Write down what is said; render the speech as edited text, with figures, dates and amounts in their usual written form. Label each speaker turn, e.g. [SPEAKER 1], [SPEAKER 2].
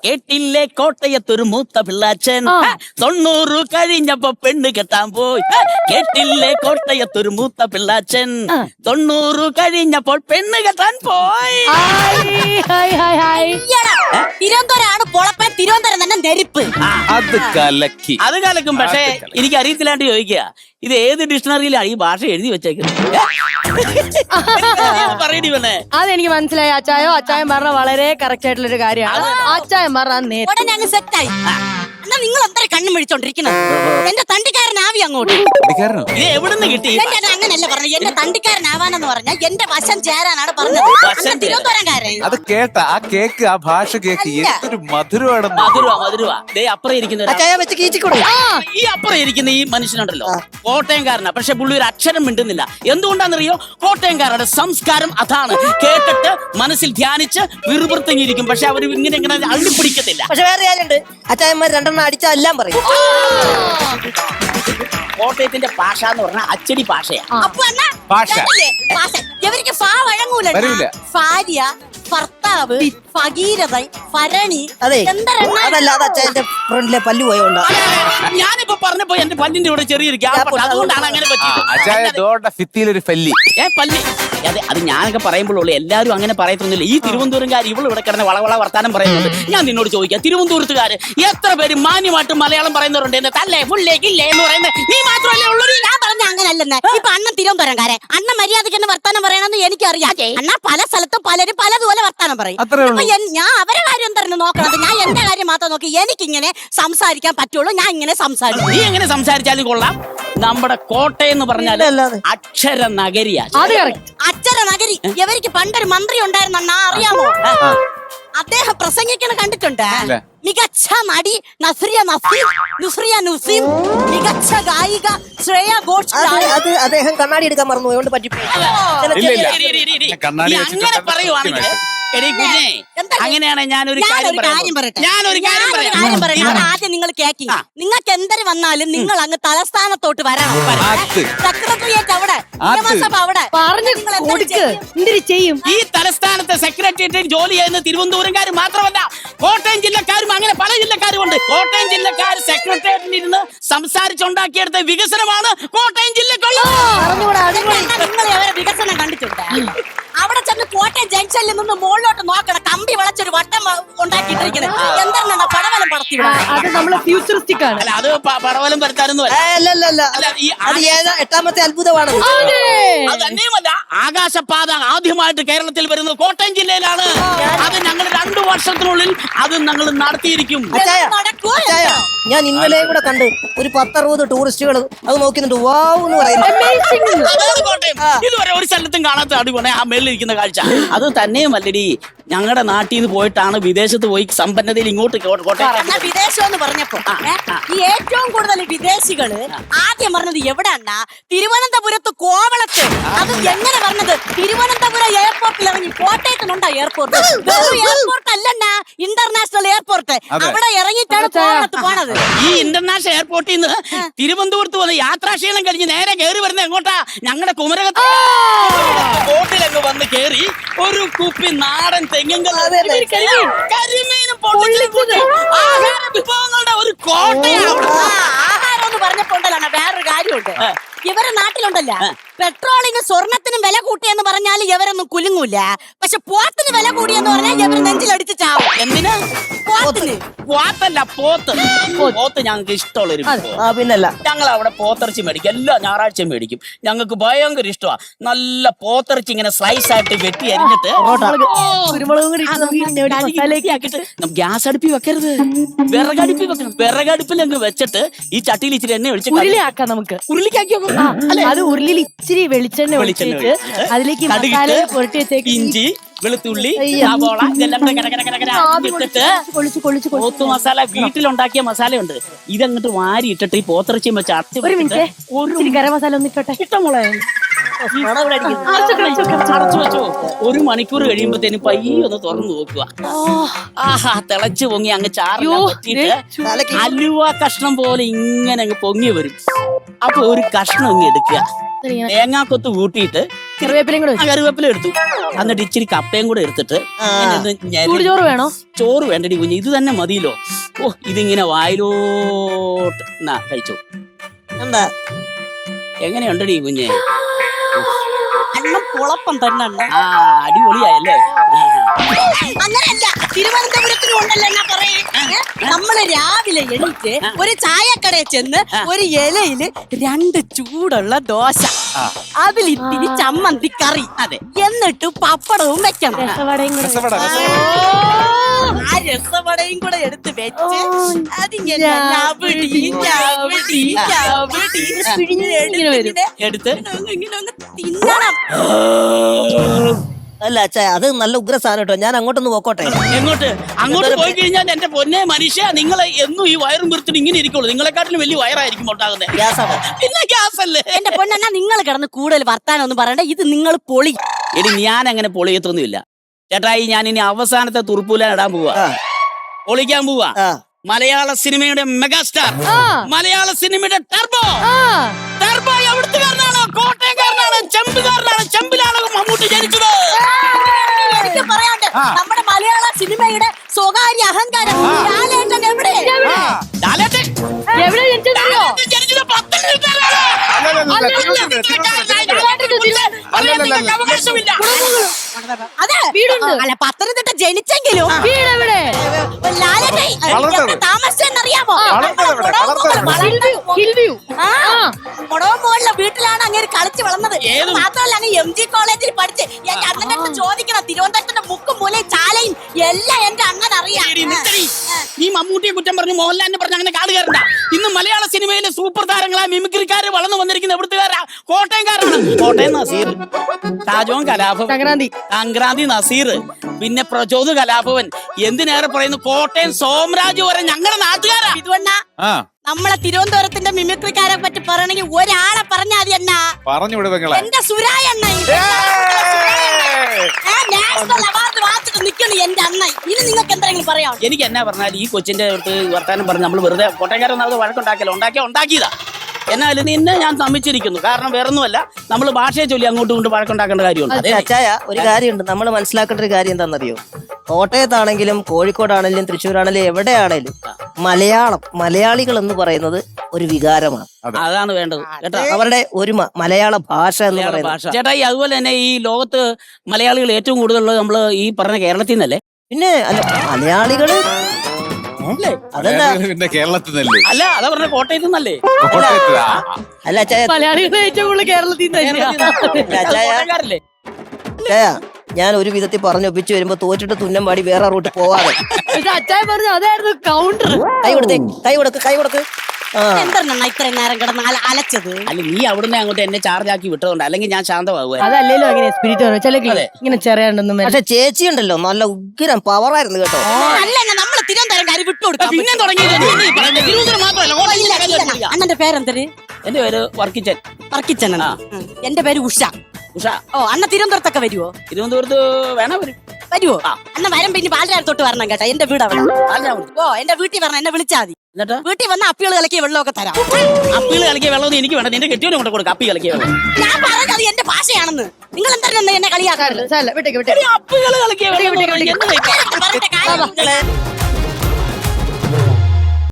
[SPEAKER 1] കേട്ടില്ലേ കോട്ടയത്തൊരു മൂത്ത പിള്ളാച്ചൻ 90 കഴിഞ്ഞപ്പോ പെണ്ണ് കെട്ടാൻ പോയി. കേട്ടില്ലേ കോട്ടയത്തൊരു മൂത്ത പിള്ളാച്ചൻ 90 കഴിഞ്ഞപ്പോൾ പെണ്ണ് കെട്ടാൻ പോയി.
[SPEAKER 2] തിരുവനന്തപുരമാണ് പൊളപ്പൻ, തിരുവനന്തപുരം തന്നെ നെരുപ്പ്.
[SPEAKER 3] അത് കലക്കി.
[SPEAKER 1] അത് കലക്കും. പക്ഷെ എനിക്ക് അറിയത്തില്ലാണ്ട് ചോദിക്കുക, ഇത് ഏത് ഡിക്ഷണറിയിലാണ് ഈ ഭാഷ എഴുതി വെച്ചേക്കുന്നത്? പറയടി പെണ്ണേ.
[SPEAKER 4] അതെനിക്ക് മനസ്സിലായി അച്ചായോ. അച്ചായൻ പറഞ്ഞ വളരെ കറക്റ്റ് ആയിട്ടുള്ള ഒരു കാര്യമാണ്. അച്ചായൻ പറഞ്ഞ
[SPEAKER 2] ഉടനെ അങ്ങ് സെറ്റായി. എന്നാ നിങ്ങൾ എത്ര കണ്ണും വിളിച്ചോണ്ടിരിക്കുന്നത്? എന്റെ തണ്ടിക്കാരനാവി അങ്ങോട്ട്.
[SPEAKER 1] ഇത് എവിടുന്ന് കിട്ടി?
[SPEAKER 2] അങ്ങനല്ല പറഞ്ഞു. എന്റെ തണ്ടിക്കാരനാവാനെന്ന് പറഞ്ഞാൽ എന്റെ വശം ചേരാനാണ് പറഞ്ഞത്. തിരുവനന്തപുരംകാരൻ.
[SPEAKER 3] അത് കേട്ട ആ കേക്ക്, ആ ഭാഷ കേക്ക് എന്തൊരു മധുരമാണെന്ന്.
[SPEAKER 1] മധുരവാ. ദേ അപ്പുറം ഇരിക്കുന്ന ഈ അപ്പുറം ഇരിക്കുന്ന ഈ മനുഷ്യനുണ്ടല്ലോ, കോട്ടയംകാരനാ. പക്ഷെ പുള്ളി ഒരു അക്ഷരം മിണ്ടുന്നില്ല. എന്തുകൊണ്ടാണെന്നറിയോ? കോട്ടയംകാരുടെ സംസ്കാരം അതാണ്. കേട്ടിട്ട് മനസ്സിൽ ധ്യാനിച്ച് വിറുപുറത്തെങ്ങിയിരിക്കും. പക്ഷെ അവർ ഇങ്ങനെ അള്ളിപ്പിടിക്കത്തില്ല.
[SPEAKER 5] പക്ഷെ വേറെ കാര്യമുണ്ട്, അച്ചായന്മാർ രണ്ടെണ്ണം അടിച്ചാൽ എല്ലാം പറയും.
[SPEAKER 1] കോട്ടയത്തിന്റെ ഭാഷ എന്ന് പറഞ്ഞാൽ അച്ചടി ഭാഷയാ.
[SPEAKER 2] ഇവർക്ക് ഫാ വഴങ്ങൂല. ഭാര്യ, ഭർത്താവ്, ഭഗീരഥ, ഭരണി.
[SPEAKER 5] അതെ, അതല്ല, അത് അച്ചായന്റെ ഫ്രണ്ടിലെ പല്ല് പോയോണ്ടാ.
[SPEAKER 1] ഞാനിപ്പോ പറഞ്ഞപ്പോ എന്റെ പല്ലിന്റെ ഇവിടെ ചെറിയൊരു ഗ്യാപ്പ്, അതുകൊണ്ടാണ് അങ്ങനെ
[SPEAKER 3] പറ്റിയത്. പല്ലി.
[SPEAKER 1] അതെ, അത് ഞാനൊക്കെ പറയുമ്പോഴുള്ളൂ. എല്ലാവരും അങ്ങനെ പറയത്തൊന്നുമില്ല. ഈ തിരുവനന്തപുരംകാർ ഇവള് ഇവിടെ കിടന്ന് വളവള വർത്താനം പറയുന്നുണ്ട്. ഞാൻ നിന്നോട് ചോദിക്കാം, തിരുവനന്തപുരത്തുകാര് എത്ര പേര് മാന്യമായിട്ട് മലയാളം പറയുന്നവരുണ്ട്? എന്ന് തല്ലേ ഫുള്ളേക്കില്ലേ എന്ന് പറയുന്നത് നീ മാത്രമല്ലേ ഉള്ളൂ.
[SPEAKER 2] ഞാൻ പറഞ്ഞ അങ്ങനല്ലെന്ന്. ഇപ്പൊ അണ്ണൻ തിരുവനന്തപുരംകാരൻ, അണ്ണൻ മര്യാദയ്ക്ക് തന്നെ വർത്താനം പറയണമെന്ന് എനിക്കറിയാം. അണ്ണ പല സ്ഥലത്തും പലരും പലതുപോലെ വർത്താനം പറയും. ഞാൻ അവരെ കാര്യം തന്നെ നോക്കണത്, ഞാൻ എന്റെ കാര്യം മാത്രം നോക്കി. എനിക്കിങ്ങനെ സംസാരിക്കാൻ പറ്റുള്ളൂ. ഞാൻ ഇങ്ങനെ സംസാരിക്കും.
[SPEAKER 1] നീ എങ്ങനെ സംസാരിച്ചാലും കൊള്ളാം. നമ്മുടെ കോട്ടയം എന്ന് പറഞ്ഞാൽ അക്ഷര നഗരിയാ.
[SPEAKER 2] അക്ഷര നഗരി. ഇവർക്ക് പണ്ടൊരു മന്ത്രി ഉണ്ടായിരുന്നു അണ്ണാ, അറിയാമോ? അദ്ദേഹം പ്രസംഗിക്കണ കണ്ടിട്ടുണ്ട്. മികച്ച നടി നസ്രിയ നസീം, മികച്ച ഗായിക ശ്രേയ ഘോഷാൽ.
[SPEAKER 5] അത് അദ്ദേഹം കണ്ണാടി എടുക്കാൻ മറന്നു, അതുകൊണ്ട് പറ്റിപ്പോയി.
[SPEAKER 1] അങ്ങനെ പറയുവാണെങ്കിൽ അങ്ങനെയാണ്. ഞാനൊരു കാര്യം പറയട്ടെ.
[SPEAKER 2] ആദ്യം നിങ്ങൾ കേക്കി. നിങ്ങൾക്ക് എന്തൊരു വന്നാലും നിങ്ങൾ അങ്ങ് തലസ്ഥാനത്തോട്ട് വരണം. സെക്രട്ടേറിയറ്റ് അവിടെ, നിയമസഭ അവിടെ
[SPEAKER 4] ചെയ്യും.
[SPEAKER 1] ഈ തലസ്ഥാനത്തെ സെക്രട്ടേറിയറ്റിൽ ജോലി ചെയ്യുന്ന തിരുവനന്തപുരംകാർ മാത്രമല്ല, കോട്ടയം ജില്ലക്കാരും അങ്ങനെ പല ജില്ലക്കാരും ഉണ്ട്. കോട്ടയം ജില്ലക്കാർ സെക്രട്ടേറിയറ്റിൽ ഇരുന്ന് സംസാരിച്ചുണ്ടാക്കിയെടുത്ത വികസനമാണ് കോട്ടയം ജില്ലക്കുള്ളത്.
[SPEAKER 2] നിങ്ങൾ വികസനം കണ്ടിട്ടുണ്ട്? അവിടെ ചെന്ന് കോട്ടയം ജംഗ്ഷനിൽ നിന്ന് മുകളിലോട്ട് നോക്കണം, കമ്പി വളച്ചൊരു വട്ടം ഉണ്ടാക്കിയിട്ടിരിക്കുന്നത്. എന്താണ് പടവലം പടത്തി?
[SPEAKER 4] അത് നമ്മള് ഫ്യൂച്ചറിസ്റ്റിക് ആണ്.
[SPEAKER 1] അല്ല, അത് പടവലം പരത്താനൊന്നും
[SPEAKER 5] എട്ടാമത്തെ അത്ഭുതമാണ്.
[SPEAKER 1] അത് തന്നെയുമല്ല, ആകാശപാത ആദ്യമായിട്ട് കേരളത്തിൽ വരുന്നത് കോട്ടയം ജില്ലയിലാണ്. അത് ഞങ്ങൾ 2 വർഷത്തിനുള്ളിൽ അത് ഞങ്ങൾ നടത്തിയിരിക്കും.
[SPEAKER 5] ഞാൻ ഇന്നലെ കൂടെ കണ്ട് ഒരു 10-60 ടൂറിസ്റ്റുകൾ അത് നോക്കുന്നുണ്ട്. വാവ് എന്ന് പറയുന്നത്
[SPEAKER 1] ഇതുവരെ ഒരു സ്ഥലത്തും കാണാത്ത അടിപൊളി ആ മേളിലിരിക്കുന്ന കാഴ്ച. അത് തന്നെയുമല്ലടി, ഞങ്ങളുടെ നാട്ടിൽ നിന്ന് പോയിട്ടാണ് വിദേശത്ത് പോയി സമ്പന്നതയിൽ ഇങ്ങോട്ട് കോട്ടയം.
[SPEAKER 2] വിദേശം എന്ന് പറഞ്ഞപ്പോ ഈ ഏറ്റവും കൂടുതൽ വിദേശികള് ആദ്യം പറഞ്ഞത് എവിടെയാ? തിരുവനന്തപുരത്ത് കോവളത്ത്. അത് എങ്ങനെ പറഞ്ഞത്? തിരുവനന്തപുരം എയർപോർട്ടിൽ ഇറങ്ങി. കോട്ടയത്തിനുണ്ടോ എയർപോർട്ട്? എയർപോർട്ട് അല്ലണ്ണ, ഇന്റർനാഷണൽ എയർപോർട്ട്. അവിടെ ഇറങ്ങിയിട്ടാണ് കോവളത്ത് പോണത്.
[SPEAKER 1] ഈ ഇന്റർനാഷണൽ എയർപോർട്ടിൽ നിന്ന് തിരുവനന്തപുരത്ത് വന്ന് യാത്രാക്ഷീണം കഴിഞ്ഞ് നേരെ കയറി വരുന്നത് എങ്ങോട്ടാ? ഞങ്ങളുടെ കുമരകത്ത് ബോട്ടിലങ്ങ് വന്ന് കയറി ഒരു കുപ്പി നാടൻ തെങ്ങും കരിമീനും ആഹാര വിഭവങ്ങളുടെ ഒരു കോട്ടയാണ്.
[SPEAKER 2] ആഹാരം എന്ന് പറഞ്ഞപ്പോണ്ടല്ലോ വേറൊരു കാര്യമുണ്ട്. ഇവരെ നാട്ടിലുണ്ടല്ല, പെട്രോളിന് സ്വർണത്തിനും വില കൂട്ടിയെന്ന് പറഞ്ഞാൽ ഇവരൊന്നും കുലുങ്ങൂല. പക്ഷെ പോത്തിന് വില കൂടിയെന്ന് പറഞ്ഞാൽ ഇവര് നെഞ്ചിലടിച്ച് ചാവും.
[SPEAKER 1] എന്തിനാ?
[SPEAKER 2] പോത്തിന്.
[SPEAKER 1] പോത്തല്ല, പോത്ത് ഞങ്ങൾക്ക് ഇഷ്ടമുള്ളൊരു.
[SPEAKER 5] പിന്നല്ല,
[SPEAKER 1] ഞങ്ങൾ അവിടെ പോത്തിറച്ചി മേടിക്കും. എല്ലാ ഞായറാഴ്ചയും മേടിക്കും. ഞങ്ങൾക്ക് ഭയങ്കര ഇഷ്ടമാണ്. നല്ല പോത്തിറച്ചി ഇങ്ങനെ സ്ലൈസ് ആയിട്ട് വെട്ടി അരിഞ്ഞിട്ട് ഗ്യാസ് അടുപ്പി വെക്കരുത്, വിറകടുപ്പി വെക്കണം. വിറകടുപ്പിൽ അങ്ങ് വെച്ചിട്ട് ഈ ചട്ടിയിൽ ഇച്ചിരി എണ്ണ ഒഴിച്ച്
[SPEAKER 4] ഉരുളിയാക്കാം. നമുക്ക്
[SPEAKER 1] ഉരുളിക്കാക്കി
[SPEAKER 4] അത് ഉരുളിയിൽ ഇച്ചിരി വെളിച്ചെണ്ണ ഒഴിച്ചിട്ട് അതിലേക്ക് മസാല പുരട്ടി വെച്ചേക്ക്,
[SPEAKER 1] ഇഞ്ചി, വെളുത്തുള്ളി, സവോള ഇതെല്ലാം ഇട്ടിട്ട് പോത്ത് മസാല, വീട്ടിലുണ്ടാക്കിയ മസാലയുണ്ട്, ഇതങ്ങോട്ട് വാരി ഇട്ടിട്ട് ഈ പോത്തിറച്ചിയും വെച്ച്
[SPEAKER 4] ഒരു ഗരം മസാല ഒന്നിട്ടോട്ടെ.
[SPEAKER 1] ഇഷ്ടമോളെ അടച്ചു വെച്ചോ. 1 മണിക്കൂർ കഴിയുമ്പോഴത്തേനും പയ്യെ ഒന്ന് തുറന്നു നോക്കുക. ആഹാ, തിളച്ചു പൊങ്ങി അങ്ങ് ചാറിട്ട് അലുവ കഷ്ണം പോലെ ഇങ്ങനെ അങ്ങ് പൊങ്ങി വരും. അപ്പൊ ഒരു കഷ്ണം ഇങ്ങ് എടുക്കുക, തേങ്ങാക്കൊത്ത് കൂട്ടിയിട്ട്
[SPEAKER 4] കറിവേപ്പിലയും കൂടെ വെച്ചു.
[SPEAKER 1] കറിവേപ്പില എടുത്തു. എന്നിട്ട് ഇച്ചിരി കപ്പയും കൂടെ എടുത്തിട്ട് ഇങ്ങനെ ഒന്ന്
[SPEAKER 4] ചൂടുചോറ് വേണോ?
[SPEAKER 1] ചോറ് വേണ്ടടി കുഞ്ഞ്, ഇത് തന്നെ മതിയല്ലോ. ഓ ഇതിങ്ങനെ വായിലോട്ട് കഴിച്ചു.
[SPEAKER 5] എന്താ
[SPEAKER 1] എങ്ങനെയുണ്ടടി കുഞ്ഞെ?
[SPEAKER 2] അണ്ണം കുഴപ്പം തന്നെ അണ്ണ.
[SPEAKER 1] ആ അടിപൊളിയായല്ലേ?
[SPEAKER 2] അങ്ങനെയല്ല, തിരുവനന്തപുരത്തിനും ഉണ്ടല്ലോ എന്നാ പറയേ. നമ്മള് രാവിലെ എണീറ്റ് ഒരു ചായക്കടയിൽ ചെന്ന് ഒരു ഇലയില് 2 ചൂടുള്ള ദോശ, അതിൽ ഇത്തിരി ചമ്മന്തി കറി,
[SPEAKER 1] അതെ,
[SPEAKER 2] എന്നിട്ട് പപ്പടവും വെക്കണം.
[SPEAKER 4] രസവടയും കൂടെ
[SPEAKER 3] രസവട,
[SPEAKER 2] ആ രസവടയും കൂടെ എടുത്ത് വെച്ച് അതിങ്ങനെ ഞവടി, ഞവടി, ഞവടി
[SPEAKER 4] ഇങ്ങനെ വരും.
[SPEAKER 1] എടുത്ത്
[SPEAKER 2] ഇങ്ങനെ ഒന്ന് തിന്നണം.
[SPEAKER 5] അല്ല അച്ഛാ, അത് നല്ല ഉഗ്ര സാധനം കേട്ടോ. ഞാൻ അങ്ങോട്ടൊന്ന് പോക്കോട്ടെ.
[SPEAKER 1] എങ്ങോട്ട്? അങ്ങോട്ട് പോയി കഴിഞ്ഞാൽ എന്റെ പൊന്നെ മനുഷ്യ, നിങ്ങൾ എന്നും ഈ വയറും വീർത്തിട്ട് ഇങ്ങനെ ഇരിക്കുള്ളൂ. നിങ്ങളെക്കാട്ടിലും വലിയ വയറായിരിക്കും ഉണ്ടാകുന്നത്.
[SPEAKER 5] ഗ്യാസാണ്.
[SPEAKER 1] പിന്നെ ഗ്യാസ് അല്ലേ?
[SPEAKER 2] എന്റെ പൊന്നെന്നാ നിങ്ങൾ കിടന്ന് കൂടുതൽ വർത്താനം ഒന്നും പറയണ്ട. ഇത് നിങ്ങൾ പൊളി.
[SPEAKER 1] എടി ഞാൻ അങ്ങനെ പൊളിയത്തൊന്നുമില്ല ചേട്ടായി. ഞാൻ ഇനി അവസാനത്തെ തുറുപ്പൂലാൻ ഇടാൻ പോവാ, പൊളിക്കാൻ പോവാ. മലയാള സിനിമയുടെ മെഗാസ്റ്റാർ, മലയാള സിനിമയുടെ ടർബോ. ടർബോ എവിടുത്തുകാരനാണ്? കോട്ടയംകാരനാണ്, ചെമ്പുകാരനാണ്. ചെമ്പിലാണ് മമ്മൂട്ടി ജനിച്ചത്.
[SPEAKER 2] എനിക്ക് പറയാണ്ട് നമ്മുടെ മലയാള സിനിമയുടെ സ്വകാര്യ അഹങ്കാരം ലാലേട്ടൻ എവിടെ?
[SPEAKER 1] ലാലേട്ടൻ
[SPEAKER 4] എവിടെ ജനിച്ചതോ?
[SPEAKER 1] ജനിച്ചത് പത്തനംതിട്ടയിലാണ്. അവകാശമില്ല.
[SPEAKER 2] അതെ,
[SPEAKER 4] വീടുണ്ട്.
[SPEAKER 2] അല്ല പത്തനംതിട്ട ജനിച്ചെങ്കിലും
[SPEAKER 4] വീട് എവിടെ?
[SPEAKER 2] ലാലേട്ടൻ താമസിച്ചെന്നറിയാമോ?
[SPEAKER 4] ഹിൽവ്യൂ.
[SPEAKER 2] മുടവും പോലുള്ള വീട്ടിലാണ് അങ്ങനെ കളിച്ച് വളർന്നത്.
[SPEAKER 1] ഏത്?
[SPEAKER 2] മാത്രമല്ല അങ്ങ് MG കോളേജിൽ പഠിച്ച് എന്റെ അണ്ണന്റെ അടുത്ത് ചോദിക്കണം. തിരുവനന്തപുരത്തിന്റെ മുക്കും മൂലയും ചാലയും എല്ലാം എന്റെ അണ്ണൻ അറിയാം.
[SPEAKER 1] എടി, നിർത്തടി. നീ മമ്മൂട്ടിയെ കുറ്റം പറഞ്ഞു, മോഹൻലാലിനെ പറഞ്ഞു അങ്ങനെ കാട് കയറണ്ട. ഇന്ന് മലയാള സിനിമയിലെ സൂപ്പർ താരങ്ങളായ മിമിക്രിക്കാര് വളർന്നു വന്നിരിക്കുന്ന എവിടുത്തുകാരാ? കോട്ടയംകാരാണ്. കോട്ടയം നസീർ, ഷാജോൻ കലാഭവൻ, സംക്രാന്തി നസീർ, പിന്നെ പ്രചോദ് കലാഭവൻ, എന്തിനേറെ പറയുന്നു കോട്ടയം സോമരാജ് വരെ ഞങ്ങളുടെ നാട്ടുകാരാ.
[SPEAKER 2] ഇതുവണ്ണ നമ്മളെ തിരുവനന്തപുരത്തിന്റെ മിമിക്രിക്കാരെ പറ്റി പറയണെങ്കിൽ ഒരാളെ പറഞ്ഞാൽ മതി അണ്ണ.
[SPEAKER 3] പറഞ്ഞു വിടും നിങ്ങളെ.
[SPEAKER 2] എന്റെ സുരായ അണ്ണ നാഷണൽ അവാർഡ് വാങ്ങിച്ചിട്ട് നിൽക്കണു എന്റെ അണ്ണ. ഇനി നിങ്ങൾക്ക് എന്തെങ്കിലും പറയാം?
[SPEAKER 1] എനിക്ക് എന്നാ പറഞ്ഞാൽ ഈ കൊച്ചിന്റെ അടുത്ത് വർത്താനം പറഞ്ഞ് നമ്മൾ വെറുതെ കോട്ടയംകാരൊന്നും വഴക്കുണ്ടാക്കിയല്ലോ, ഉണ്ടാക്കിയതാ. എന്നാലും നിന്നെ ഞാൻ സമ്മതിച്ചിരിക്കുന്നു. കാരണം വേറൊന്നുമല്ല, നമ്മൾ ഭാഷയെ ചൊല്ലി അങ്ങോട്ടും ഇങ്ങോട്ടും വഴക്കുണ്ടാക്കേണ്ട കാര്യമുണ്ട്.
[SPEAKER 5] അച്ചായ, ഒരു കാര്യമുണ്ട്. നമ്മൾ മനസ്സിലാക്കേണ്ട ഒരു കാര്യം എന്താണെന്നറിയോ? കോട്ടയത്താണെങ്കിലും കോഴിക്കോടാണെങ്കിലും തൃശ്ശൂരാണെങ്കിലും എവിടെയാണെങ്കിലും മലയാളികൾ എന്ന് പറയുന്നത് ഒരു വികാരമാണ്.
[SPEAKER 1] അതാണ് വേണ്ടത് കേട്ടോ,
[SPEAKER 5] അവരുടെ ഒരുമ, മലയാള ഭാഷ എന്ന്
[SPEAKER 1] മലയാള
[SPEAKER 5] പറയുന്നത്.
[SPEAKER 1] ഭാഷ. ചേട്ടാ, അതുപോലെ തന്നെ ഈ ലോകത്ത് മലയാളികൾ ഏറ്റവും കൂടുതലുള്ളത് നമ്മൾ ഈ പറഞ്ഞ കേരളത്തിൽ നിന്നല്ലേ?
[SPEAKER 5] പിന്നെ അല്ല, മലയാളികള് അതെന്താ?
[SPEAKER 3] പിന്നെ കേരളത്തിൽ നിന്നല്ലേ?
[SPEAKER 1] അല്ല, അതാ പറഞ്ഞ കോട്ടയത്ത് നിന്നല്ലേ?
[SPEAKER 3] കോട്ടയത്ത്.
[SPEAKER 5] അല്ല അച്ചായ,
[SPEAKER 4] മലയാളികൾ ഏറ്റവും കൂടുതൽ കേരളത്തിൽ
[SPEAKER 1] കോട്ടയംകാരല്ലേ?
[SPEAKER 5] അച്ചായ, ഞാൻ ഒരു വിധത്തിൽ പറഞ്ഞൊപ്പിച്ച് വരുമ്പോ തോറ്റിട്ട് തുന്നം പാടി വേറെ റൂട്ട് പോവാതെ.
[SPEAKER 4] പക്ഷെ അച്ചായ പറഞ്ഞു അതായിരുന്നു കൗണ്ടർ.
[SPEAKER 5] കൈ കൊടുക്ക്.
[SPEAKER 2] എന്താണ് ഇത്രയും നേരം കിടന്ന് അലച്ചത്?
[SPEAKER 1] അല്ല, നീ അവിടുന്ന് അങ്ങോട്ട് എന്നെ ചാർജ് ആക്കി വിട്ടതുകൊണ്ട്, അല്ലെങ്കിൽ ഞാൻ ശാന്തമാകുക.
[SPEAKER 4] അതല്ലല്ലോ അങ്ങനെ സ്പിരിറ്റ് ചില ഇങ്ങനെ ചെറിയാണ്ടൊന്നും.
[SPEAKER 5] പക്ഷെ ചേച്ചി ഉണ്ടല്ലോ, നല്ല ഉഗ്രം പവറായിരുന്നു കേട്ടോ.
[SPEAKER 2] അല്ല, നമ്മള് തിരുവനന്തപുരം കാര്യം വിട്ടുകൊടുക്കാം.
[SPEAKER 1] പിന്നെ തിരുവനന്തപുരം മാത്രമല്ല.
[SPEAKER 2] അണ്ണന്റെ പേരെന്തര്?
[SPEAKER 1] എന്റെ പേര് വർക്കിച്ചൻ.
[SPEAKER 2] വർക്കിച്ചൻ. എന്റെ പേര് ഉഷ.
[SPEAKER 1] ഉഷ.
[SPEAKER 2] ഓ, അണ്ണ തിരുവനന്തപുരത്തൊക്കെ വരുവോ?
[SPEAKER 1] തിരുവനന്തപുരത്ത് വേണം വരും.
[SPEAKER 2] വരുവോ? അണ്ണ വരം പിന്നെ പാലരാത്തോട്ട് വരണം കേട്ടോ. എന്റെ വീട് അവിടെ. ഓ, എന്റെ വീട്ടിൽ വരണം, എന്നെ വിളിച്ചാൽ മതി.
[SPEAKER 1] എന്നിട്ട്
[SPEAKER 2] വീട്ടിൽ വന്ന അപ്പികൾ കലക്കിയ വെള്ളമൊക്കെ തരാം.
[SPEAKER 1] അപ്പികൾ കളിക്കിയ വെള്ളം എനിക്ക് വേണം, നിന്റെ കെട്ടിയോനെ കൊണ്ട് കൊടുക്കാം. അപ്പി കളിക്കിയ വെള്ളം
[SPEAKER 2] ഞാൻ പറഞ്ഞത് എന്റെ ഭാഷയാണെന്ന്. നിങ്ങൾ എന്തായാലും എന്നെ കളിയാക്കാറില്ല.
[SPEAKER 4] വിട്ടേക്ക്
[SPEAKER 1] അപ്പികൾ കളിക്കിയ വെള്ളം.
[SPEAKER 2] പറഞ്ഞ കാര്യം